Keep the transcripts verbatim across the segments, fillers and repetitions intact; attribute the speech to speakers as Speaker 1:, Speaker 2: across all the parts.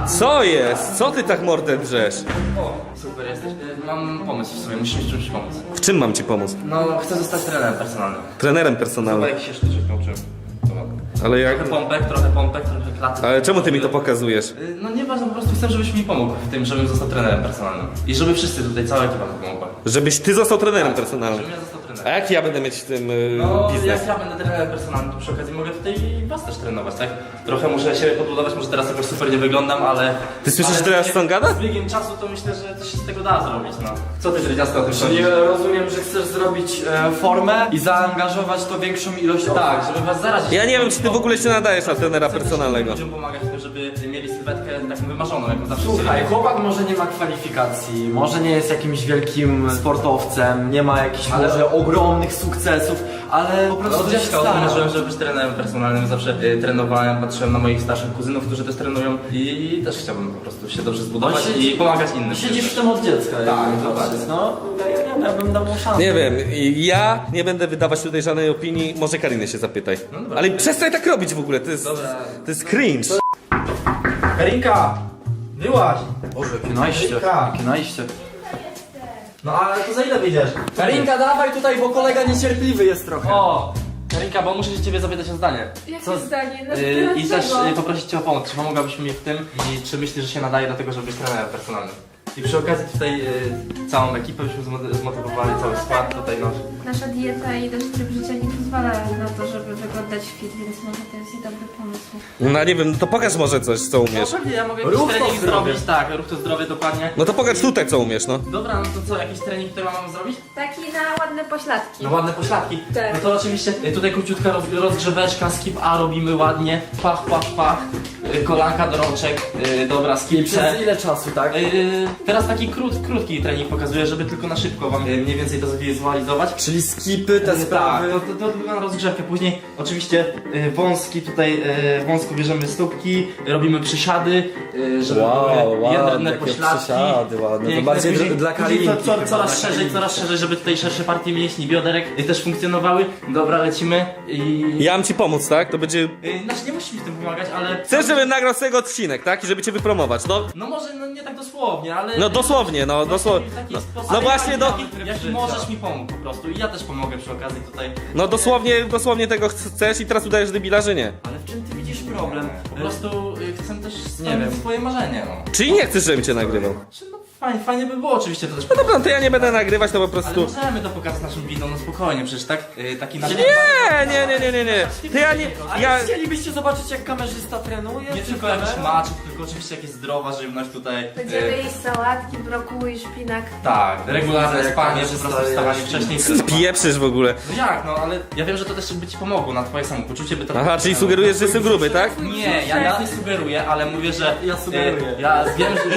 Speaker 1: Co jest? Co ty tak mordę drzesz?
Speaker 2: O, super jesteś. Mam pomysł w sobie, musisz mi czymś pomóc.
Speaker 1: W czym mam ci pomóc?
Speaker 2: No, chcę zostać trenerem personalnym.
Speaker 1: Trenerem
Speaker 2: Chyba
Speaker 1: personalnym.
Speaker 2: jak się sztuczek nauczyłem.
Speaker 1: Ale jak...
Speaker 2: Trochę pompek, trochę pompek, trochę klaty.
Speaker 1: Ale czemu ty mi to pokazujesz?
Speaker 2: Y, No nieważne, po prostu chcę, żebyś mi pomógł w tym, żebym został trenerem personalnym. I żeby wszyscy tutaj, cała ekipa mi pomogła.
Speaker 1: Żebyś ty został trenerem personalnym.
Speaker 2: Żebym ja został
Speaker 1: A
Speaker 2: trenerem.
Speaker 1: jak ja będę mieć w tym y,
Speaker 2: No,
Speaker 1: biznes?
Speaker 2: jak ja będę trenerem personalnym, to przy okazji mogę tutaj was też trenować, tak? Trochę muszę siebie podbudować, może teraz jakoś super nie wyglądam, ale...
Speaker 1: Ty słyszysz
Speaker 2: ale
Speaker 1: teraz,
Speaker 2: z
Speaker 1: co on gada?
Speaker 2: Z biegiem czasu to myślę, że coś się z tego da zrobić, no. Co ty, Dredziasto, o tym
Speaker 3: Czyli
Speaker 2: sądzisz?
Speaker 3: rozumiem, że chcesz zrobić e, formę i zaangażować to większą ilość osób.
Speaker 2: Tak, żeby was zarazić.
Speaker 1: Ja nie wiem, czy ty w ogóle się nadajesz na trenera
Speaker 2: Chcę też
Speaker 1: personalnego.
Speaker 2: ludziom pomagać w tym, żeby mieli sylwetkę taką wymarzoną, jaką zawsze
Speaker 3: Słuchaj,
Speaker 2: chcieli.
Speaker 3: chłopak może nie ma kwalifikacji, może nie jest jakimś wielkim sportowcem, nie ma jakichś
Speaker 2: Ale-
Speaker 3: może ogromnych sukcesów, ale po prostu
Speaker 2: No, od
Speaker 3: się
Speaker 2: dziecka o tym
Speaker 3: stara.
Speaker 2: marzyłem, żeby być trenerem personalnym. Zawsze y, trenowałem, patrzyłem na moich starszych kuzynów, którzy też trenują i też chciałbym po prostu się dobrze zbudować
Speaker 3: No, siedzi-
Speaker 2: i pomagać innym.
Speaker 3: Siedzisz w tym od dziecka.
Speaker 2: Tak,
Speaker 3: jakby
Speaker 2: dokładnie.
Speaker 3: patrzeć. No, ja nie wiem, ja bym dał mu szansę.
Speaker 1: Nie wiem, i ja nie będę wydawać tutaj żadnej opinii, może Karinę się zapytaj.
Speaker 2: No dobra.
Speaker 1: Ale przestań tak robić w ogóle, to jest,
Speaker 2: Dobra.
Speaker 1: to jest cringe.
Speaker 2: Karinka! Wyłaź!
Speaker 3: Boże, jakie najście,
Speaker 2: Karinka!
Speaker 3: jakie najście.
Speaker 2: No ale to za ile wyjdziesz?
Speaker 3: Karinka, dawaj tutaj, bo kolega niecierpliwy jest trochę.
Speaker 2: O! Karinka, bo muszę się ciebie zapytać o zdanie.
Speaker 4: Jakie
Speaker 2: Co-
Speaker 4: zdanie? No,
Speaker 2: Y, I też
Speaker 4: dlaczego?
Speaker 2: y, poprosić cię o pomoc. Czy pomogłabyś mi w tym? I czy myślisz, że się nadaje do tego, żeby być trenerem personalnym? I przy okazji tutaj y, całą ekipę byśmy zmo- zmotywowali, cały skład tutaj nasz.
Speaker 4: Nasza dieta i nasz tryb życia nie pozwala na to, żeby wyglądać fit, więc może to jest i dobry pomysł.
Speaker 1: No nie wiem, to pokaż może coś, co
Speaker 2: No
Speaker 1: umiesz.
Speaker 2: pewnie, ja mogę
Speaker 3: Ruch
Speaker 2: jakiś
Speaker 3: to
Speaker 2: trening
Speaker 3: zdrowie.
Speaker 2: zrobić, tak, ruch to zdrowie, dokładnie.
Speaker 1: No to pokaż tutaj, co umiesz, no.
Speaker 2: Dobra, no to co, jakiś trening tutaj mam zrobić?
Speaker 4: Taki na ładne pośladki.
Speaker 2: No ładne pośladki.
Speaker 4: Tak.
Speaker 2: No to oczywiście y, tutaj króciutka roz, rozgrzeweczka, skip A robimy ładnie, pach, pach, pach, y, kolanka do rączek, y, dobra, skip C.
Speaker 3: Przez ile czasu, tak?
Speaker 2: Y, teraz taki krót, krótki trening pokazuję, żeby tylko na szybko wam y, mniej więcej to zwizualizować.
Speaker 3: Czyli skipy, te
Speaker 2: Tak,
Speaker 3: sprawy.
Speaker 2: to, to, to tylko na rozgrzewkę. Później oczywiście y, wąski tutaj, y, wąsko bierzemy stópki, robimy przysiady, y, żeby były jędrne pośladki.
Speaker 3: ładne.
Speaker 2: Piękne.
Speaker 3: To bardziej
Speaker 2: Później-
Speaker 3: dr- dla
Speaker 2: później
Speaker 3: Karinki.
Speaker 2: co, co,
Speaker 3: chyba,
Speaker 2: coraz
Speaker 3: dla
Speaker 2: szerzej,
Speaker 3: Karinki.
Speaker 2: coraz szerzej, żeby tutaj szersze partie mięśni, bioderek y, też funkcjonowały. Dobra, lecimy i...
Speaker 1: Ja mam ci pomóc, tak? To będzie...
Speaker 2: Y, znaczy nie musisz mi w tym pomagać, ale...
Speaker 1: Chcesz, żebym nagrał z tego odcinek, tak? I żeby cię wypromować, no.
Speaker 2: No może no nie tak dosłownie, ale...
Speaker 1: No dosłownie, no, dosłownie.
Speaker 2: W taki
Speaker 1: No,
Speaker 2: sposób,
Speaker 1: no właśnie, no,
Speaker 2: jaki, jaki możesz mi pomóc po prostu i ja też pomogę przy okazji tutaj.
Speaker 1: no dosłownie, dosłownie tego chcesz i teraz udajesz debila, że nie.
Speaker 3: Ale w czym ty widzisz problem?
Speaker 2: Po prostu y, chcę też
Speaker 3: Nie wiem.
Speaker 2: spełnić swoje marzenie, no.
Speaker 1: Czyli nie chcesz, żebym cię nagrywał.
Speaker 2: Czy no fajnie, fajnie by było oczywiście to też.
Speaker 1: No dobra, no to ja nie będę nagrywać, to po
Speaker 2: Ale
Speaker 1: prostu...
Speaker 2: możemy to pokazać naszym widzom, no spokojnie, przecież tak, y, taki nasz...
Speaker 1: Nie, nie, nie, nie, nie, nie. To ja nie...
Speaker 3: Ale
Speaker 1: Ja...
Speaker 3: chcielibyście zobaczyć, jak kamerzysta trenuje?
Speaker 2: Nie
Speaker 3: Czy
Speaker 2: tylko jakiś
Speaker 3: kamera?
Speaker 2: maczek, tylko oczywiście jakieś zdrowa żywność tutaj.
Speaker 4: Będziemy
Speaker 2: y,
Speaker 4: jeść sałatki, brokuły, szpinak.
Speaker 2: Tak, regularne
Speaker 3: Jak
Speaker 2: spanie, po
Speaker 3: kamerzysta
Speaker 2: prostu wstawanie
Speaker 3: jest-
Speaker 2: wcześniej.
Speaker 1: Pieprzysz w ogóle.
Speaker 2: No jak, no ale ja wiem, że to też by ci pomogło na twoje samopoczucie, by to...
Speaker 1: Aha, czyli sugerujesz, że jestem gruby, tak?
Speaker 2: Nie, ja, ja nie sugeruję, ale mówię, że...
Speaker 3: Ja sugeruję.
Speaker 2: e, Ja wiem, że...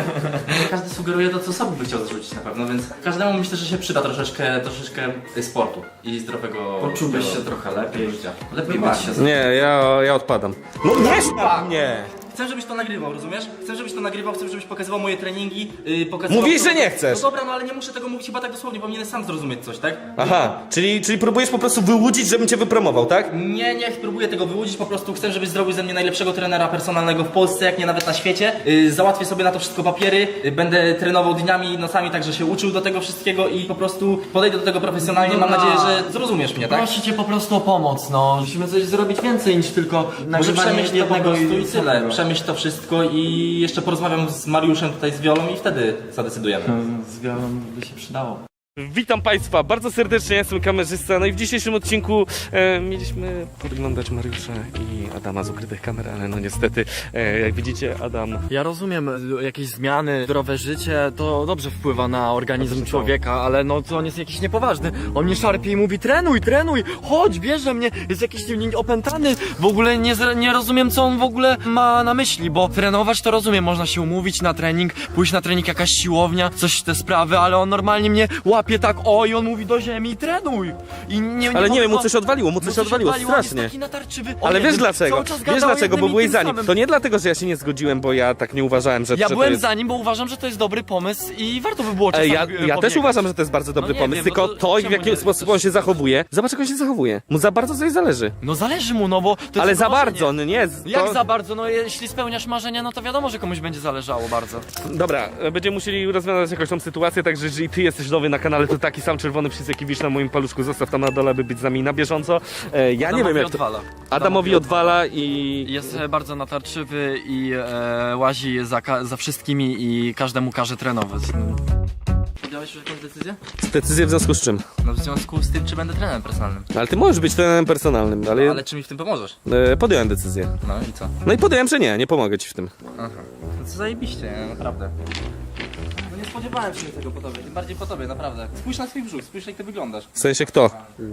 Speaker 2: Nie każdy sugeruje to, co sobie by chciał zrzucić na pewno, więc każdemu myślę, że się przyda troszeczkę, troszeczkę sportu i zdrowego...
Speaker 3: Poczułbyś się
Speaker 2: zdrowego
Speaker 3: trochę lepiej.
Speaker 2: życia. Lepiej
Speaker 3: Wybacz
Speaker 2: właśnie.
Speaker 3: się.
Speaker 1: Nie, ja, ja odpadam. No nie sztab mnie!
Speaker 2: Chcę, żebyś to nagrywał, rozumiesz? Chcę, żebyś to nagrywał, chcę, żebyś pokazywał moje treningi, yy, pokazywał...
Speaker 1: Mówisz,
Speaker 2: to-
Speaker 1: że nie chcesz.
Speaker 2: No dobra, no ale nie muszę tego mówić chyba tak dosłownie, powinienem sam zrozumieć coś, tak?
Speaker 1: Aha, czyli, czyli próbujesz po prostu wyłudzić, żebym cię wypromował, tak?
Speaker 2: Nie, nie próbuję tego wyłudzić, po prostu chcę, żebyś zrobił ze mnie najlepszego trenera personalnego w Polsce, jak nie nawet na świecie. Yy, załatwię sobie na to wszystko papiery, yy, będę trenował dniami i nocami, także się uczył do tego wszystkiego i po prostu podejdę do tego profesjonalnie. Mam
Speaker 3: Dobra.
Speaker 2: nadzieję, że zrozumiesz mnie, tak?
Speaker 3: Proszę cię po prostu o pomoc, no. Musimy coś zrobić więcej niż tylko
Speaker 2: Może
Speaker 3: nagrywanie
Speaker 2: przemyśl to po
Speaker 3: jednego
Speaker 2: prostu i tyle.
Speaker 3: samego.
Speaker 2: Przemyśl to wszystko i jeszcze porozmawiam z Mariuszem tutaj z Wiolą i wtedy zadecydujemy.
Speaker 3: Z wiolą by się przydało.
Speaker 1: Witam Państwa bardzo serdecznie, ja jestem kamerzysta. No i w dzisiejszym odcinku e, mieliśmy podglądać Mariusza i Adama z ukrytych kamer, ale no niestety, e, jak widzicie, Adam...
Speaker 3: Ja rozumiem, y, jakieś zmiany, zdrowe życie to dobrze wpływa na organizm człowieka, ale no to on jest jakiś niepoważny. On mnie szarpie i mówi trenuj, trenuj, chodź, bierze mnie, jest jakiś nie- opętany. W ogóle nie, zre- nie rozumiem, co on w ogóle ma na myśli, bo trenować to rozumiem, można się umówić na trening, pójść na trening, jakaś siłownia, coś te sprawy, ale on normalnie mnie łapie łapie tak, o i on mówi do ziemi i trenuj. I nie,
Speaker 1: Ale nie wiem, mu
Speaker 3: ma-
Speaker 1: coś odwaliło, mu
Speaker 3: mu
Speaker 1: coś odwaliło,
Speaker 3: on jest
Speaker 1: strasznie.
Speaker 3: taki natarczywy. O
Speaker 1: Ale
Speaker 3: nie,
Speaker 1: wiesz
Speaker 3: cały
Speaker 1: dlaczego?
Speaker 3: czas
Speaker 1: Wiesz
Speaker 3: gadał o
Speaker 1: dlaczego, bo
Speaker 3: jednym i
Speaker 1: byłeś
Speaker 3: tym
Speaker 1: za nim.
Speaker 3: samym.
Speaker 1: To nie dlatego, że ja się nie zgodziłem, bo ja tak nie uważałem, że,
Speaker 3: Ja
Speaker 1: że to
Speaker 3: byłem
Speaker 1: jest...
Speaker 3: za nim, bo uważam, że to jest dobry pomysł i warto by było
Speaker 1: Ej,
Speaker 3: czasami
Speaker 1: ja,
Speaker 3: e,
Speaker 1: ja też
Speaker 3: podbiegać.
Speaker 1: uważam, że to jest bardzo dobry
Speaker 3: No nie
Speaker 1: pomysł,
Speaker 3: wiem,
Speaker 1: tylko
Speaker 3: no to
Speaker 1: to, w
Speaker 3: czemu
Speaker 1: jaki
Speaker 3: nie-
Speaker 1: sposób on się zachowuje. Zobacz, jak on się zachowuje. Mu za bardzo coś zależy.
Speaker 3: No zależy mu, no bo to jest
Speaker 1: Ale
Speaker 3: jego
Speaker 1: za
Speaker 3: marzenie.
Speaker 1: bardzo, no nie. z-
Speaker 3: Jak
Speaker 1: to...
Speaker 3: za bardzo? No jeśli spełniasz marzenia, no to wiadomo, że komuś będzie zależało bardzo.
Speaker 1: Dobra, będziemy musieli rozwiązać jakąś tą sytuację, także jeżeli ty jesteś nowy na kanale, to taki sam czerwony przycisk, jaki widzisz na moim paluszku, zostaw tam na dole, by być z nami na bieżąco. E, ja nie wiem jak to...
Speaker 3: odwala.
Speaker 1: Adamowi odwala i...
Speaker 3: Jest e, bardzo natarczywy i e, łazi za, ka- za wszystkimi i każdemu każe trenować. No. Podjąłeś już jakąś decyzję?
Speaker 1: Decyzję w związku z czym?
Speaker 2: No w związku z tym, czy będę trenerem personalnym.
Speaker 1: Ale ty możesz być trenerem personalnym, ale,
Speaker 2: No, ale czy mi w tym pomożesz?
Speaker 1: e, podjąłem decyzję.
Speaker 2: No i co?
Speaker 1: No i podjąłem, że nie, nie pomogę ci w tym.
Speaker 2: Aha. No co zajebiście, nie? Naprawdę. No nie spodziewałem się tego po tobie, tym bardziej po tobie, naprawdę. Spójrz na swój brzuch, spójrz jak ty wyglądasz.
Speaker 1: W sensie kto?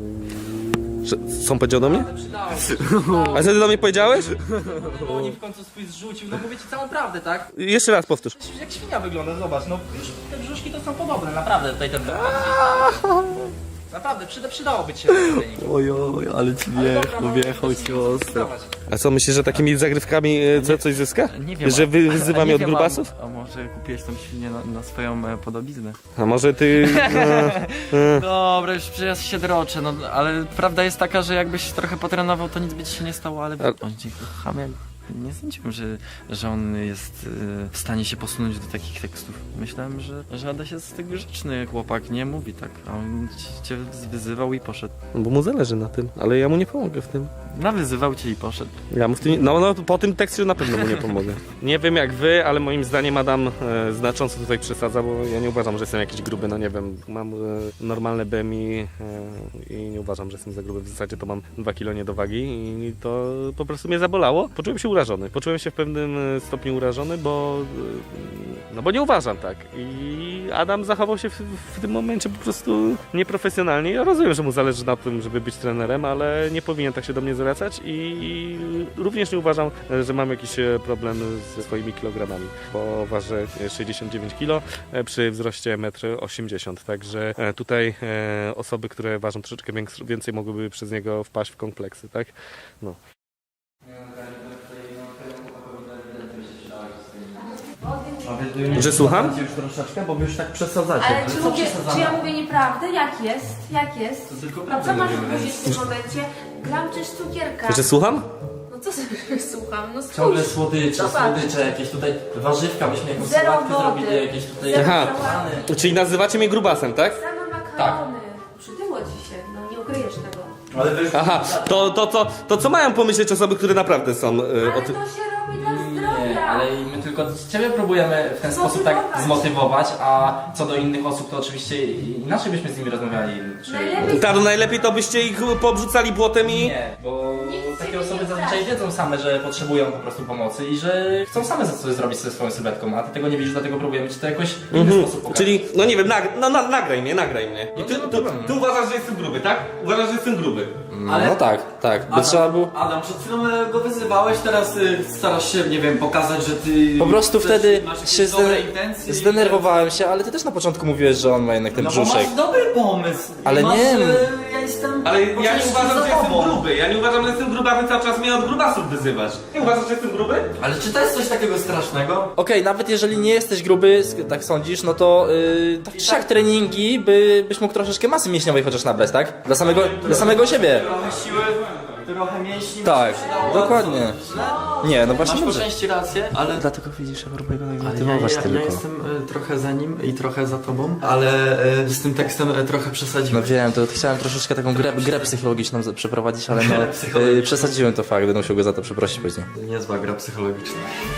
Speaker 1: Że, co on powiedział do mnie?
Speaker 2: Przydało
Speaker 1: A co ty do mnie powiedziałeś?
Speaker 2: No oni w końcu swój zrzucił, no mówię ci całą prawdę, tak?
Speaker 1: Jeszcze raz powtórz.
Speaker 2: Jak świnia wygląda, zobacz, no już te brzuszki to są podobne, naprawdę tutaj ten... Naprawdę, przyda, przydałoby ci się ten trening.
Speaker 3: Ojoj, ale ci
Speaker 2: wjechał, wjechał ci ostro.
Speaker 1: A co, myślisz, że takimi zagrywkami e, co, coś zyska?
Speaker 3: Nie wiem.
Speaker 1: Że wy, wyzywa
Speaker 3: a
Speaker 1: mnie
Speaker 3: nie
Speaker 1: od
Speaker 3: wiem,
Speaker 1: grubasów?
Speaker 3: A, a może kupiłeś tą świnię na, na swoją e, podobiznę?
Speaker 1: A może ty... E,
Speaker 3: Dobra, już przecież się droczę, no ale prawda jest taka, że jakbyś trochę potrenował, to nic by ci się nie stało, ale
Speaker 1: A-
Speaker 3: on ci chamiak. Nie sądziłem, że, że on jest e, w stanie się posunąć do takich tekstów. Myślałem, że, że Adaś jest tak grzeczny chłopak, nie mówi tak, a on ci- cię wyzywał i poszedł.
Speaker 1: bo mu zależy na tym, ale ja mu nie pomogę w tym.
Speaker 3: Nawyzywał cię i poszedł.
Speaker 1: Ja mu w tym, nie- no, no po tym tekście na pewno mu nie pomogę. Nie wiem jak wy, ale moim zdaniem Adam e, znacząco tutaj przesadza, bo ja nie uważam, że jestem jakiś gruby, no nie wiem, mam e, normalne B M I e, i nie uważam, że jestem za gruby, w zasadzie to mam dwa kilo nie do wagi i to po prostu mnie zabolało. Poczułem się urażony, poczułem się w pewnym e, stopniu urażony, bo e, no bo nie uważam tak i Adam zachował się w, w tym momencie po prostu nieprofesjonalnie. Ja rozumiem, że mu zależy na tym, żeby być trenerem, ale nie powinien tak się do mnie zwracać i również nie uważam, że mam jakiś e, problem ze swoimi kilogramami, bo ważę sześćdziesiąt dziewięć kilo e, przy wzroście jeden osiemdziesiąt m, także e, tutaj e, osoby, które ważą troszeczkę więks- więcej mogłyby przez niego wpaść w kompleksy, tak? No. Że słucham?
Speaker 3: Już troszeczkę, bo wy już tak przesadzacie.
Speaker 4: Ale czy, mówię, czy ja mówię nieprawdę? Jak jest? Jak jest?
Speaker 2: To tylko
Speaker 4: A
Speaker 2: prawdę
Speaker 4: co masz
Speaker 2: mówimy.
Speaker 4: powiedzieć w tym momencie? Gram czy cukierka?
Speaker 1: Że słucham?
Speaker 4: No co sobie słucham? No spójrz.
Speaker 3: Ciągle słodycze,
Speaker 4: Zobacz.
Speaker 3: słodycze, jakieś tutaj warzywka, byśmy jakąś
Speaker 4: Zero
Speaker 3: sałatkę
Speaker 4: wody.
Speaker 3: zrobili, jakieś tutaj...
Speaker 4: Zero
Speaker 1: Aha.
Speaker 4: sałaty.
Speaker 1: Czyli nazywacie mnie grubasem, tak?
Speaker 4: Same makarony. Przytyło ci się, no nie ukryjesz tego.
Speaker 3: Ale wy...
Speaker 1: Aha, to, to, to, to co mają pomyśleć osoby, które naprawdę są e,
Speaker 4: Ale
Speaker 1: o
Speaker 4: to
Speaker 1: tym?
Speaker 4: się robi dla
Speaker 2: Nie,
Speaker 4: zdrowia.
Speaker 2: ale my tylko ciebie próbujemy w ten sposób tak
Speaker 4: Zmotywować.
Speaker 2: zmotywować, a co do innych osób to oczywiście inaczej byśmy z nimi rozmawiali. Czy...
Speaker 4: Najlepiej
Speaker 1: Tak, no najlepiej to byście ich pobrzucali błotem i...
Speaker 2: Nie, bo
Speaker 4: Nikt
Speaker 2: takie
Speaker 4: ciebie
Speaker 2: osoby
Speaker 4: nie
Speaker 2: zazwyczaj
Speaker 4: straszy.
Speaker 2: wiedzą same, że potrzebują po prostu pomocy i że chcą same coś zrobić ze swoją sylwetką, a ty tego nie widzisz, dlatego próbujemy ci to jakoś w inny
Speaker 1: Mhm.
Speaker 2: sposób pokazać.
Speaker 1: Czyli, no nie wiem, nag, no, na, nagraj mnie, nagraj mnie. I ty,
Speaker 2: No, no,
Speaker 1: ty,
Speaker 2: problem.
Speaker 1: ty uważasz, że jestem gruby, tak? Uważasz, że jestem gruby.
Speaker 3: Ale-
Speaker 2: No tak, tak, by trzeba było...
Speaker 3: Adam, przed chwilą e, go wyzywałeś, teraz y, starasz się, nie wiem, pokazać, że ty...
Speaker 2: Po prostu
Speaker 3: chcesz-
Speaker 2: wtedy
Speaker 3: masz jakieś
Speaker 2: się
Speaker 3: dobre
Speaker 2: zde...
Speaker 3: intencje i-
Speaker 2: zdenerwowałem się, ale ty też na początku mówiłeś, że on ma jednak ten
Speaker 3: No bo
Speaker 2: brzuszek.
Speaker 3: masz dobry pomysł.
Speaker 2: Ale
Speaker 3: masz,
Speaker 2: nie.
Speaker 3: e, Ja jestem...
Speaker 1: Ale ja nie
Speaker 3: oczywiście
Speaker 1: uważam,
Speaker 3: za
Speaker 1: że jestem
Speaker 3: tobą.
Speaker 1: gruby. Ja nie uważam, że jestem gruby, a wy cały czas mnie od grubasów wyzywasz. Nie uważasz, że jestem gruby?
Speaker 3: Ale czy to jest coś takiego strasznego?
Speaker 2: Okej, nawet jeżeli nie jesteś gruby, sk- tak sądzisz, no to yy, tak czy siak treningi, by, byś mógł troszeczkę masy mięśniowej chociaż nabrać, tak? Dla samego, dla samego siebie.
Speaker 3: Trochę siły, trochę mięśni.
Speaker 2: Tak,
Speaker 3: mi się przydało,
Speaker 2: dokładnie.
Speaker 3: a co, źle?
Speaker 2: Nie, no właśnie
Speaker 3: Masz po
Speaker 2: dobrze.
Speaker 3: części rację, ale...
Speaker 2: Dlatego widzisz, ja próbuję go
Speaker 3: Ale ja,
Speaker 2: motywować
Speaker 3: ja, ja
Speaker 2: tylko.
Speaker 3: jestem e, trochę za nim i trochę za tobą, ale e, z tym tekstem e, trochę
Speaker 2: No
Speaker 3: przesadziłem.
Speaker 2: wiem, to chciałem troszeczkę taką grę, grę psychologiczną z- przeprowadzić, ale no,
Speaker 3: psychologiczną.
Speaker 2: yy, przesadziłem to fakt, będę musiał go za to przeprosić później.
Speaker 3: Niezła gra psychologiczna.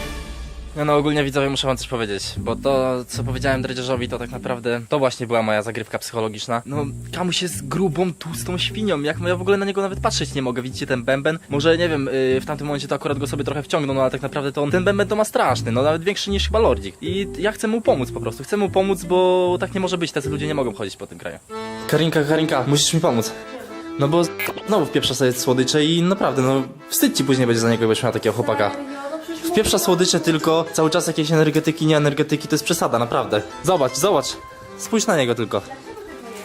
Speaker 2: No, no ogólnie widzowie muszę wam coś powiedzieć, bo to co powiedziałem Dredziarzowi to tak naprawdę to właśnie była moja zagrywka psychologiczna. No Kamuś jest grubą, tłustą świnią, jak ja w ogóle na niego nawet patrzeć nie mogę, widzicie ten bęben? Może nie wiem, yy, w tamtym momencie to akurat go sobie trochę wciągnął, no ale tak naprawdę to on, ten bęben to ma straszny, no nawet większy niż chyba Lordzik. I ja chcę mu pomóc po prostu, chcę mu pomóc, bo tak nie może być, tacy ludzie nie mogą chodzić po tym kraju. Karinka, Karinka, musisz mi pomóc. No bo znowu wpieprza sobie słodycze i naprawdę, no wstyd ci później będzie za niego, jakbyś miał takiego chłopaka.
Speaker 4: Serio? No przecież
Speaker 2: Wpieprza słodycze tylko, cały czas jakieś energetyki, nie energetyki, to jest przesada, naprawdę. Zobacz, zobacz. Spójrz na niego tylko.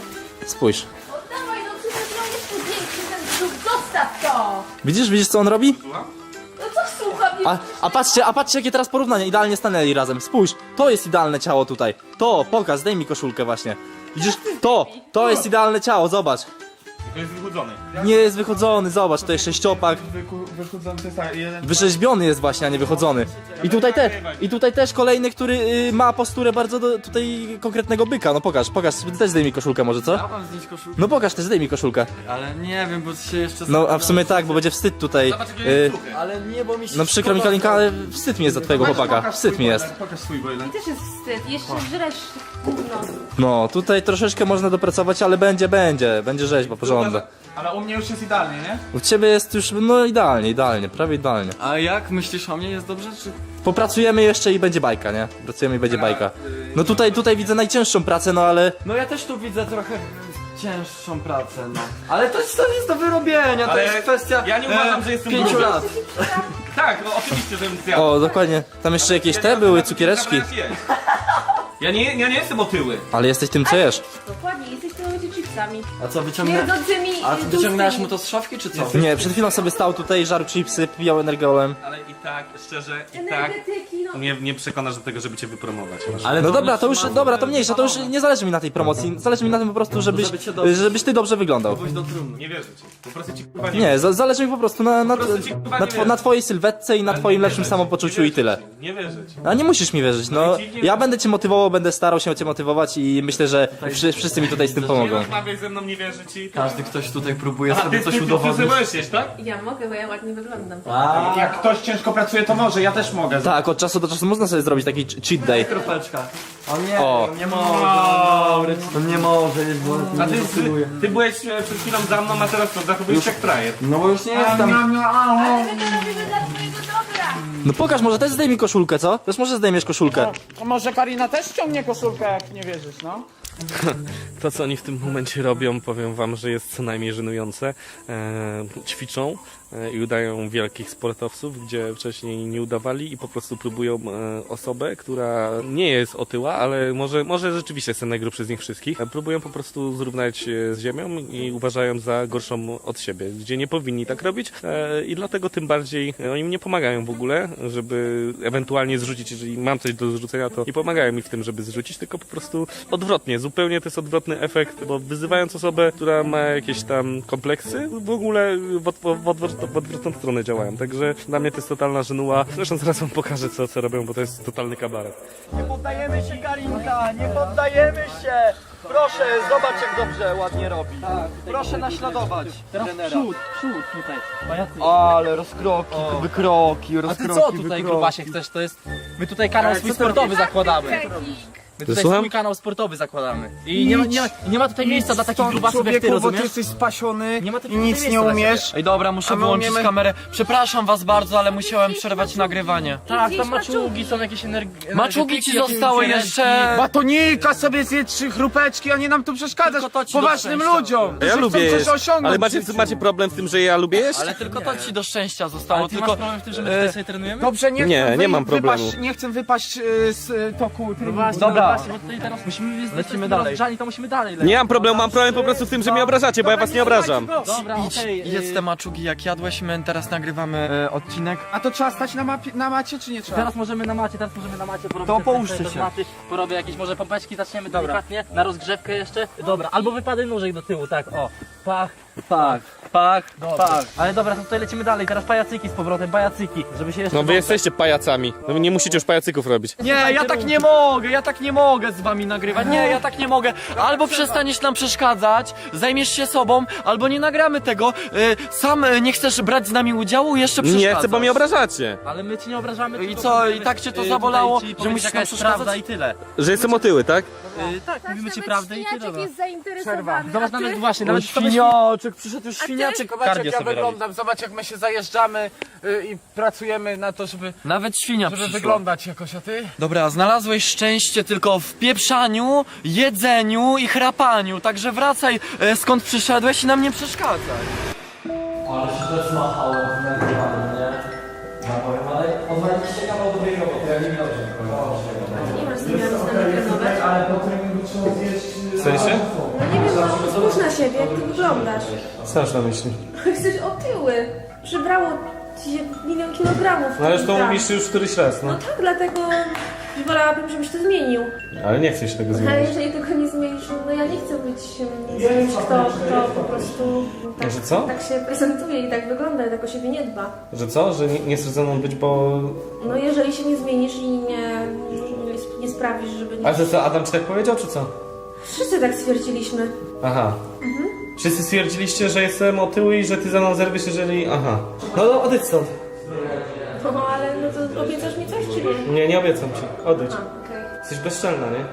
Speaker 2: Spójrz.
Speaker 4: Oddawaj, no przecież miał jeszcze większy ten brzuch, zostaw to!
Speaker 2: Widzisz, widzisz co on robi?
Speaker 4: No co słucham?
Speaker 2: A, a patrzcie, a patrzcie jakie teraz porównanie, idealnie stanęli razem. Spójrz, to jest idealne ciało tutaj. To, pokaż, zdejmij mi koszulkę właśnie. Widzisz, to, to jest idealne ciało, zobacz.
Speaker 5: To jest wychudzony.
Speaker 2: Nie jest wychodzony, zobacz, to jest sześciopak.
Speaker 5: Wychudzony to jest tak, jeden...
Speaker 2: Wyrzeźbiony jest właśnie, a nie wychodzony. I tutaj, te, I tutaj też kolejny, który y, ma posturę bardzo do, tutaj konkretnego byka. No pokaż, pokaż, też zdejmij koszulkę może, co?
Speaker 3: Ja mam zdjąć koszulkę,
Speaker 2: No pokaż też, zdejmij koszulkę.
Speaker 3: ale nie wiem, bo się jeszcze...
Speaker 2: No a w sumie tak, bo będzie wstyd tutaj. Y,
Speaker 3: Ale nie, bo mi się...
Speaker 2: no przykro mi Kalinka, ale wstyd mi jest za twojego chłopaka. Wstyd mi jest.
Speaker 5: Pokaż swój boiler.
Speaker 4: Też jest wstyd, jeszcze żresz gówno.
Speaker 2: No, tutaj troszeczkę można dopracować, ale będzie, będzie. Będzie rzeźba porządna.
Speaker 5: Ale u mnie już jest idealnie, nie?
Speaker 2: U ciebie jest już, no idealnie, idealnie, prawie idealnie.
Speaker 3: A jak myślisz o mnie? Jest dobrze, czy...
Speaker 2: Popracujemy jeszcze i będzie bajka, nie? Pracujemy i będzie bajka. No tutaj, tutaj widzę najcięższą pracę, no ale...
Speaker 3: No ja też tu widzę trochę cięższą pracę, no. Ale to jest, to jest do wyrobienia, to
Speaker 5: Ale
Speaker 3: jest kwestia
Speaker 5: ja nie uważam,
Speaker 3: e,
Speaker 5: że jestem
Speaker 3: pięciu
Speaker 5: gruby.
Speaker 3: lat.
Speaker 5: Tak, no oczywiście, żebym zjadł.
Speaker 2: O, dokładnie. Tam jeszcze jakieś te były, cukiereczki.
Speaker 5: Ja nie, ja nie jestem otyły.
Speaker 2: Ale jesteś tym, co jesz.
Speaker 4: Dokładnie, jesteś tymi chipsami.
Speaker 3: A co, wyciągnę...
Speaker 4: Śmierdzącymi
Speaker 3: A
Speaker 4: i
Speaker 3: wyciągnęłaś
Speaker 4: tłustymi.
Speaker 3: mu to z szafki, czy co?
Speaker 2: Nie, przed chwilą sobie stał tutaj, żarł chipsy, pijał energolem.
Speaker 5: Ale i tak, szczerze, i tak
Speaker 4: Energetyki, no.
Speaker 1: Nie, nie przekonasz do tego, żeby cię wypromować.
Speaker 3: Ale
Speaker 2: No dobra, to już, dobra, to mniejsza, to już
Speaker 3: nie...
Speaker 2: nie zależy mi na tej promocji. Zależy mi na tym po prostu, żebyś,
Speaker 3: Żeby cię dobrze-
Speaker 2: żebyś ty dobrze wyglądał.
Speaker 3: Pójść do trumny.
Speaker 5: nie wierzę ci. Po prostu ci kurwa nie
Speaker 2: Nie, za, zależy mi po prostu na, na,
Speaker 5: prostu ci kurwa
Speaker 2: na,
Speaker 5: nie
Speaker 2: two,
Speaker 5: wierzę.
Speaker 2: na twojej sylwetce i na twoim
Speaker 5: nie
Speaker 2: lepszym
Speaker 5: wierzę ci,
Speaker 2: samopoczuciu
Speaker 5: nie
Speaker 2: i tyle.
Speaker 5: wierzę ci, Nie wierzę ci.
Speaker 2: A nie musisz mi wierzyć, no.
Speaker 5: ci nie
Speaker 2: Ja
Speaker 5: wierzę.
Speaker 2: będę cię motywował, będę starał się cię motywować i myślę, że wszy, wszyscy mi tutaj z tym
Speaker 5: Nie
Speaker 2: pomogą.
Speaker 5: rozmawiaj ze mną, nie wierzę ci.
Speaker 3: Każdy ktoś tutaj próbuje
Speaker 5: A
Speaker 3: sobie
Speaker 5: ty,
Speaker 3: coś
Speaker 5: ty, ty, ty,
Speaker 3: udowodnić.
Speaker 5: byłeś jeść, tak?
Speaker 4: Ja mogę, bo ja ładnie wyglądam.
Speaker 5: Jak ktoś ciężko pracuje, to może, ja też mogę.
Speaker 2: Tak, od czasu do czasu można sobie zrobić taki ch- cheat day.
Speaker 3: Kropeczka. O nie,
Speaker 2: O.
Speaker 3: on nie może, on nie może, jeść, bo
Speaker 5: A
Speaker 3: nie
Speaker 5: ty,
Speaker 3: zasługuje.
Speaker 5: ty, ty byłeś e, przed chwilą za mną, a teraz to zachowujesz jak frajer.
Speaker 3: No bo już nie jestem.
Speaker 4: Ale my to robimy dla twojego dobra.
Speaker 2: No pokaż, może też zdejmij koszulkę, co? Też może zdejmiesz koszulkę.
Speaker 6: To może Karina też ściągnie koszulkę, jak nie wierzysz, no?
Speaker 1: To, co oni w tym momencie robią, powiem wam, że jest co najmniej żenujące. E, ćwiczą e, i udają wielkich sportowców, gdzie wcześniej nie udawali i po prostu próbują e, osobę, która nie jest otyła, ale może, może rzeczywiście jest najgrubszy z nich wszystkich. E, próbują po prostu zrównać e, z ziemią i uważają za gorszą od siebie, gdzie nie powinni tak robić e, i dlatego tym bardziej e, oni mi nie pomagają w ogóle, żeby ewentualnie zrzucić, jeżeli mam coś do zrzucenia, to nie pomagają mi w tym, żeby zrzucić, tylko po prostu odwrotnie, zupełnie to jest odwrotny efekt, bo wyzywając osobę, która ma jakieś tam kompleksy, w ogóle w, od, w, odwrot, w odwrotną stronę działają, także dla mnie to jest totalna żenuła. Zresztą zaraz wam pokażę, co, co robią, bo to jest totalny kabaret.
Speaker 3: Nie poddajemy się, Karinka, nie poddajemy się! Proszę, zobacz jak dobrze, ładnie robi. Proszę naśladować trenera.
Speaker 2: przód tutaj.
Speaker 3: Ale rozkroki, wykroki,
Speaker 2: A
Speaker 3: rozkroki,
Speaker 2: ty co tutaj
Speaker 3: wykroki.
Speaker 2: grubasie chcesz? To jest... My tutaj kanał swój sportowy zakładamy. My tutaj
Speaker 1: Słucham?
Speaker 2: swój kanał sportowy zakładamy. I nie ma, nie ma, nie ma tutaj miejsca dla takich grubasów jak ty,
Speaker 6: Człowieku, bo ty
Speaker 2: rozumiesz?
Speaker 6: jesteś spasiony
Speaker 2: Nie ma tutaj
Speaker 6: i nic
Speaker 2: miejsca
Speaker 6: nie
Speaker 2: dla
Speaker 6: umiesz.
Speaker 3: Ej dobra, muszę
Speaker 6: A my
Speaker 3: wyłączyć
Speaker 6: umiemy-
Speaker 3: kamerę. Przepraszam was bardzo, ale musiałem przerwać nagrywanie.
Speaker 2: Tak, tam maczugi są jakieś energie.
Speaker 3: Maczugi ci zostały jeszcze...
Speaker 6: Batonika sobie zje trzy chrupeczki, a nie nam tu przeszkadzasz
Speaker 3: Tylko to ci
Speaker 6: poważnym
Speaker 3: do szczęścia.
Speaker 6: ludziom,
Speaker 1: Ja
Speaker 6: że
Speaker 1: lubię
Speaker 6: chcą
Speaker 1: jeść,
Speaker 6: coś osiągnąć.
Speaker 1: ale
Speaker 6: w
Speaker 1: macie,
Speaker 6: życiu.
Speaker 1: macie problem z tym, że ja lubię jeść?
Speaker 3: Ale tylko to ci do szczęścia zostało,
Speaker 2: Ale ty
Speaker 3: tylko...
Speaker 2: masz problem w tym, że my tutaj sobie trenujemy?
Speaker 6: Dobrze, nie,
Speaker 1: Nie,
Speaker 6: chcę
Speaker 1: nie
Speaker 6: wy-
Speaker 1: mam problemu.
Speaker 6: Wypaść, nie chcę wypaść y, z y, toku treningu.
Speaker 3: Dobra.
Speaker 2: Bo tutaj teraz musimy
Speaker 3: Lecimy dalej.
Speaker 2: Rozgrzani, to musimy dalej lecieć.
Speaker 1: Nie mam problemu, mam problem po prostu z tym, że mnie obrażacie, bo ja was nie obrażam.
Speaker 2: Dobra, okej.
Speaker 3: Idź, jedz te maczugi jak jadłeś, my teraz nagrywamy e, odcinek.
Speaker 6: A to trzeba stać na, mapie, na macie, czy nie trzeba?
Speaker 2: Teraz możemy na macie, teraz możemy na macie porobić.
Speaker 3: To
Speaker 2: te-
Speaker 3: połóżcie
Speaker 2: te- te
Speaker 3: się.
Speaker 2: Maty, porobię jakieś może pompeczki, zaczniemy delikatnie, na rozgrzewkę jeszcze. Dobra, albo wypady nóżek do tyłu, tak, o. Pach,
Speaker 3: Tak, pach, pach.
Speaker 2: ale dobra, to tutaj lecimy dalej, teraz pajacyki z powrotem, pajacyki, żeby się jeszcze...
Speaker 1: No wy jesteście pajacami, no wy nie musicie już pajacyków robić.
Speaker 3: Nie, ja tak nie mogę, ja tak nie mogę z wami nagrywać, nie, ja tak nie mogę. Albo przestaniesz nam przeszkadzać, zajmiesz się sobą, albo nie nagramy tego. Y, sam y, nie chcesz brać z nami udziału, jeszcze przeszkadzasz.
Speaker 1: Nie chcę, bo mnie obrażacie.
Speaker 2: Ale my ci nie obrażamy.
Speaker 3: I
Speaker 2: tylko
Speaker 3: co,
Speaker 2: mówimy,
Speaker 3: i tak cię to
Speaker 2: y,
Speaker 3: zabolało,
Speaker 2: tutaj ci
Speaker 3: że
Speaker 2: powiedzieć,
Speaker 3: musisz
Speaker 2: jaka
Speaker 3: nam
Speaker 2: jest
Speaker 3: przeszkadzać?
Speaker 2: prawda i tyle.
Speaker 1: Że jestem otyły, tak?
Speaker 2: Y, tak, mówimy ci
Speaker 4: Nawet
Speaker 2: prawdę i tyle.
Speaker 4: świniaczek
Speaker 2: No.
Speaker 4: jest zainteresowany.
Speaker 2: Zobacz,
Speaker 4: a ty?
Speaker 2: nawet właśnie,
Speaker 3: No
Speaker 2: nawet
Speaker 3: świniaczek, przyszedł już
Speaker 4: ty?
Speaker 3: świniaczek.
Speaker 6: Zobacz
Speaker 2: Kardio
Speaker 6: jak ja
Speaker 2: sobie
Speaker 6: wyglądam, zobacz jak my się zajeżdżamy y, i pracujemy na to, żeby,
Speaker 3: Nawet świnia
Speaker 6: żeby
Speaker 3: przyszła.
Speaker 6: wyglądać jakoś, a ty?
Speaker 3: Dobra, znalazłeś szczęście tylko w pieprzaniu, jedzeniu i chrapaniu, także wracaj e, skąd przyszedłeś i nam nie przeszkadzaj. Ale się to zmachałem w nagrywaniu, nie? No powiem, ale odwaliście kawał dobrej roboty, ja nie dobrze.
Speaker 4: Nie masz z tym trenować.
Speaker 6: Ale po treningu trzeba zjeść
Speaker 1: W sensie?
Speaker 4: No nie wiem, no spójrz na siebie, jak ty wyglądasz.
Speaker 1: Co masz na myśli?
Speaker 4: Jesteś otyły. Przybrało ci się milion kilogramów.
Speaker 1: No ale już to
Speaker 4: Tak.
Speaker 1: mówisz już któryś raz,
Speaker 4: No
Speaker 1: no.
Speaker 4: tak, dlatego wolałabym, żebyś to zmienił.
Speaker 1: Ale nie chcesz tego
Speaker 4: Ale
Speaker 1: zmienić.
Speaker 4: jeżeli tego nie zmienisz, no ja nie chcę być mm, kimś, kto, kto po prostu tak,
Speaker 1: Że co?
Speaker 4: tak się prezentuje i tak wygląda, i tak o siebie nie dba.
Speaker 1: Że co? Że nie, nie chcesz ze mną być, bo...
Speaker 4: No jeżeli się nie zmienisz i nie, nie, nie sprawisz, żeby nie...
Speaker 1: A że co, Adam ci tak powiedział, czy co?
Speaker 4: Wszyscy tak stwierdziliśmy.
Speaker 1: Aha. Wszyscy stwierdziliście, że jestem otyły i że ty za mną zerwiesz, jeżeli... Aha. No to odejdź stąd.
Speaker 4: No ale no to obiecasz mi coś, czy nie?
Speaker 1: Nie, nie obiecam ci. Odejdź.
Speaker 4: A, okej.
Speaker 1: Jesteś bezczelna, nie?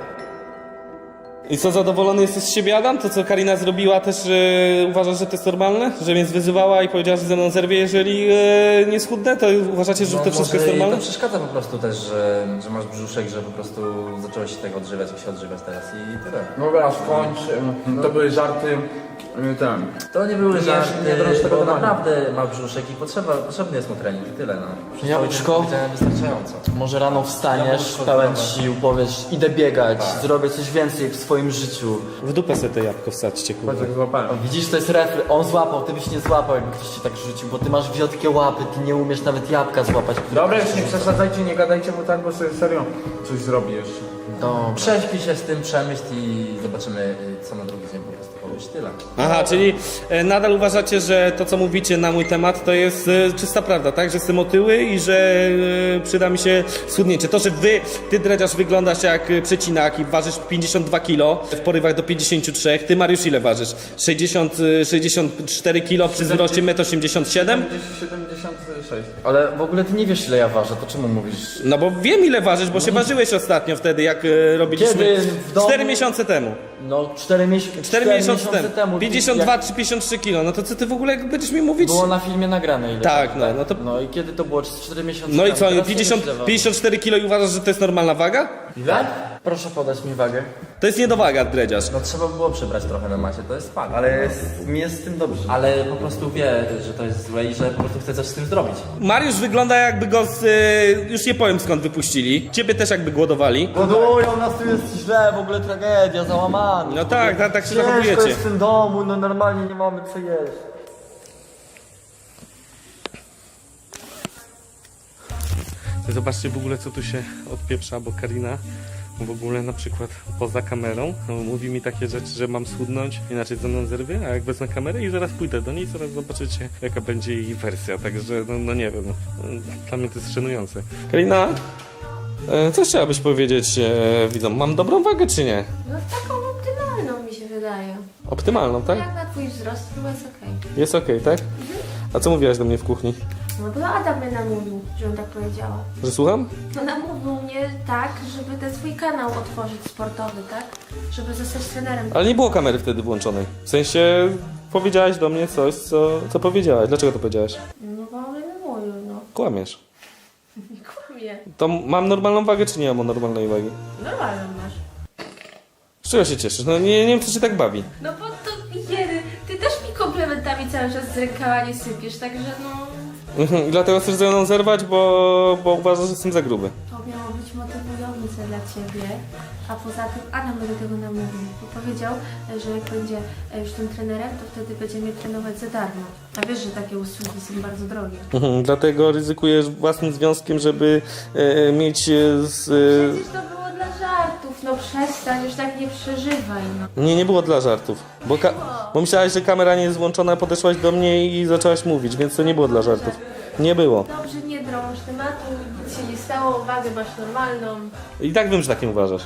Speaker 1: I co, zadowolony jesteś z siebie, Adam? To, co Karina zrobiła, też e, uważasz, że to jest normalne? Że mnie zwyzywała i powiedziała, że ze mną zerwie, jeżeli e, nie schudnę? To uważacie, że
Speaker 7: No,
Speaker 1: to wszystko
Speaker 7: może
Speaker 1: jest
Speaker 7: jej
Speaker 1: normalne?
Speaker 7: to przeszkadza po prostu też, że, że masz brzuszek, że po prostu zacząłeś się tego odżywiać, jak się odżywiać teraz i tyle.
Speaker 6: Dobra, skończ. To były żarty. y, Ten.
Speaker 7: To nie były żarty,
Speaker 6: nie drąż tego
Speaker 7: bo
Speaker 6: tematu.
Speaker 7: naprawdę ma brzuszek i potrzeba, potrzebny jest mu trening i tyle, no. Przez
Speaker 3: Jabłczko?
Speaker 7: cały dzień powiedziałem wystarczająco.
Speaker 3: Może rano wstaniesz,
Speaker 7: Jabłeczko
Speaker 3: pełen
Speaker 7: zdrowe.
Speaker 3: sił, powiesz, idę biegać,
Speaker 7: Tak.
Speaker 3: zrobię coś więcej w swoim życiu.
Speaker 1: W dupę sobie to jabłko wsadźcie, kurwa.
Speaker 6: Patrz jak złapałem.
Speaker 3: O, widzisz, to jest refle. On złapał, ty byś nie złapał, jakby ktoś ci tak rzucił, bo ty masz wiotkie łapy, ty nie umiesz nawet jabłka złapać.
Speaker 6: Dobra, już nie przesadzajcie, nie gadajcie mu tak, bo sobie serio coś zrobi jeszcze.
Speaker 3: Dobra.
Speaker 7: Prześpij się z tym, przemyśl i zobaczymy, y, co na drugi dzień po prostu powiesz. Tyle.
Speaker 1: Aha, czyli e, nadal uważacie, że to, co mówicie na mój temat, to jest e, czysta prawda, tak? Że jestem otyły i że e, przyda mi się schudnięcie. To, że wy, ty dredziarz, wyglądasz jak e, przecinak i ważysz pięćdziesiąt dwa kilo, w porywach do pięćdziesiąt trzy. Ty, Mariusz, ile ważysz? sześćdziesiąt, e, sześćdziesiąt cztery kilo przy wzroście metr osiemdziesiąt siedem?
Speaker 6: siedemdziesiąt sześć.
Speaker 3: Ale w ogóle ty nie wiesz, ile ja ważę, to czemu mówisz?
Speaker 1: No bo wiem, ile ważysz, bo się ważyłeś ostatnio wtedy, jak e, robiliśmy...
Speaker 3: Kiedy w domu?
Speaker 1: Cztery miesiące temu.
Speaker 3: No, cztery miesiące
Speaker 1: Cztery miesiące temu.
Speaker 3: temu.
Speaker 1: pięćdziesiąt dwa
Speaker 3: jak
Speaker 1: czy pięćdziesiąt trzy kilo. No to co ty w ogóle będziesz mi mówić?
Speaker 3: Było na filmie nagrane ile.
Speaker 1: Tak, no, no to...
Speaker 3: No i kiedy to było? cztery miesiące
Speaker 1: No i
Speaker 3: temu.
Speaker 1: co,
Speaker 3: Teraz
Speaker 1: pięćdziesiąt,
Speaker 3: nie wiesz, ile
Speaker 1: pięćdziesiąt cztery kilo i uważasz, że to jest normalna waga?
Speaker 3: Ile? Proszę podać mi wagę.
Speaker 1: To jest niedowaga, dredziarz.
Speaker 7: No trzeba było przybrać trochę na macie, to jest fakt.
Speaker 3: Ale jest, mi jest z tym dobrze.
Speaker 7: Ale po prostu wie, że to jest złe i że po prostu chce coś z tym zrobić.
Speaker 1: Mariusz wygląda jakby go z... y, już nie powiem skąd wypuścili. Ciebie też jakby głodowali.
Speaker 3: Godują nas, tu jest źle, w ogóle tragedia, załamany.
Speaker 1: No tak, tak, tak się
Speaker 3: Ciężko
Speaker 1: zachowujecie.
Speaker 3: jest w tym domu, no normalnie nie mamy co jeść.
Speaker 1: Zobaczcie w ogóle co tu się odpieprza, bo Karina w ogóle na przykład poza kamerą no, mówi mi takie rzeczy, że mam schudnąć, inaczej ze mną zerwie, a jak wezmę kamerę i zaraz pójdę do niej, zaraz zobaczycie jaka będzie jej wersja, także no, no nie wiem, dla mnie to jest szanujące. Karina, e, co chciałabyś powiedzieć e, widzom? Mam dobrą wagę czy nie?
Speaker 4: No taką optymalną mi się wydaje.
Speaker 1: Optymalną, tak?
Speaker 4: Jak na twój wzrost, to jest okej.
Speaker 1: Jest okej, tak? A co mówiłaś do mnie w kuchni?
Speaker 4: No bo Adam mnie namówił, żebym tak powiedziała.
Speaker 1: Że słucham?
Speaker 4: No namówił mnie tak, żeby ten swój kanał otworzyć sportowy, tak? Żeby zostać trenerem.
Speaker 1: Ale nie było kamery wtedy włączonej. W sensie powiedziałaś do mnie coś, co, co powiedziałaś. Dlaczego to powiedziałaś?
Speaker 4: No bo on mnie namówił, no.
Speaker 1: Kłamiesz.
Speaker 4: Nie kłamie.
Speaker 1: To mam normalną wagę, czy nie mam normalnej wagi?
Speaker 4: Normalną masz.
Speaker 1: Z czego się cieszysz? No nie, nie wiem, co cię tak bawi.
Speaker 4: No bo to jedy, ty też mi komplementami cały czas z rękawa nie sypiesz, także no...
Speaker 1: Mhm, I dlatego chcesz ze mną zerwać, bo, bo uważasz, że jestem za gruby.
Speaker 4: To miało być motywujące dla ciebie, a poza tym Adam mnie do tego namówił, bo powiedział, że jak będzie już tym trenerem, to wtedy będzie mnie trenować za darmo. A wiesz, że takie usługi są bardzo drogie.
Speaker 1: Mhm, dlatego ryzykujesz własnym związkiem, żeby e, mieć e, z... E...
Speaker 4: Przecież to było dla żartów, no przestań, już tak nie przeżywaj, no.
Speaker 1: Nie, nie było dla żartów. Bo, ka- bo myślałaś, że kamera nie jest włączona, podeszłaś do mnie i zaczęłaś mówić, więc to nie było dla żartów. Nie było.
Speaker 4: Dobrze, nie drąż tematu, nic się nie stało, wagę masz normalną.
Speaker 1: I tak wiem, że tak nie uważasz.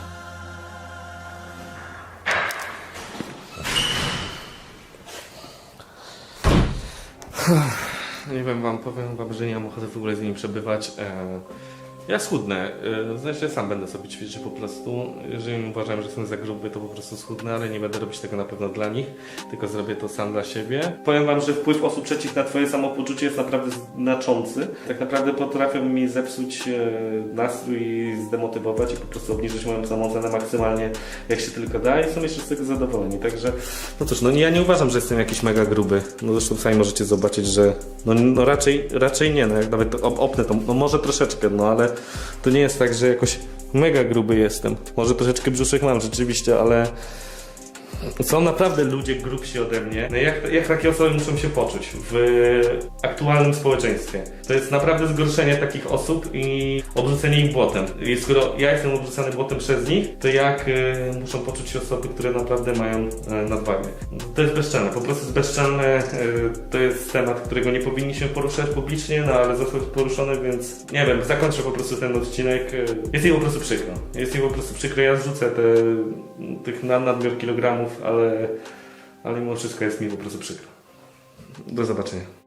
Speaker 1: Nie wiem wam, powiem wam, że nie mam ochoty w ogóle z nimi przebywać. E, ja schudnę, e, znaczy sam będę sobie ćwiczyć po prostu. Jeżeli uważam, że jestem za gruby, to po prostu schudnę, ale nie będę robić tego na pewno dla nich, tylko zrobię to sam dla siebie. Powiem wam, że wpływ osób trzecich na twoje samopoczucie jest naprawdę znaczący. Tak naprawdę potrafią mi zepsuć e, nastrój i zdemotywować i po prostu obniżyć moją samoocenę maksymalnie jak się tylko da i są jeszcze z tego zadowoleni. Także, no cóż, no ja nie uważam, że jestem jakiś mega gruby. No zresztą sami możecie zobaczyć, że no, no raczej, raczej nie, no jak nawet op- opnę to, no może troszeczkę, no ale to nie jest tak, że jakoś mega gruby jestem. Może troszeczkę brzuszek mam rzeczywiście, ale Są naprawdę ludzie grubsi ode mnie. No jak, jak takie osoby muszą się poczuć w aktualnym społeczeństwie? To jest naprawdę zgorszenie takich osób i obrzucenie ich błotem. I skoro ja jestem obrzucany błotem przez nich, to jak y, muszą poczuć się osoby, które naprawdę mają y, nadwagę? To jest bezczelne, po prostu jest bezczelne. Y, to jest temat, którego nie powinniśmy poruszać publicznie, no ale został poruszony, więc nie wiem, zakończę po prostu ten odcinek. Y, jest mi po prostu przykro. Jest mi po prostu przykro, ja zrzucę te, tych nad, nadmiar kilogramów, ale, ale mimo wszystko jest mi po prostu przykro. Do zobaczenia.